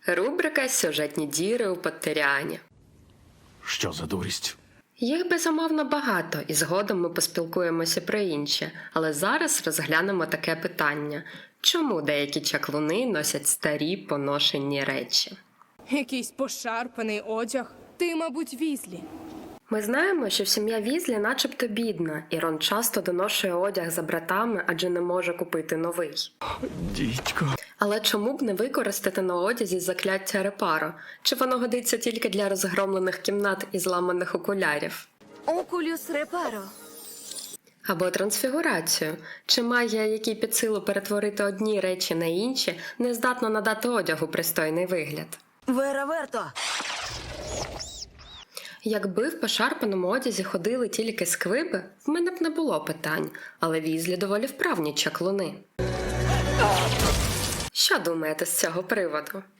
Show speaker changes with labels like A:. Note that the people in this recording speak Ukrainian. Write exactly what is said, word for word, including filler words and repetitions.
A: Рубрика «Сюжетні діри у Поттеріані».
B: Що за дурість?
A: Їх безумовно багато, і згодом ми поспілкуємося про інші, але зараз розглянемо таке питання. Чому деякі чаклуни носять старі поношені речі?
C: Якийсь пошарпаний одяг. Ти, мабуть, Візлі.
A: Ми знаємо, що сім'я Візлі начебто бідна, і Рон часто доношує одяг за братами, адже не може купити новий.
B: Дідько.
A: Але чому б не використати на одязі закляття репаро? Чи воно годиться тільки для розгромлених кімнат і зламаних окулярів?
D: Окулюс репаро.
A: Або трансфігурацію. Чи магія, якій під силу перетворити одні речі на інші, не здатна надати одягу пристойний вигляд?
D: Вера Верто.
A: Якби в пошарпаному одязі ходили тільки сквиби, в мене б не було питань, але Візлі доволі вправні чаклуни. Що думаєте з цього приводу?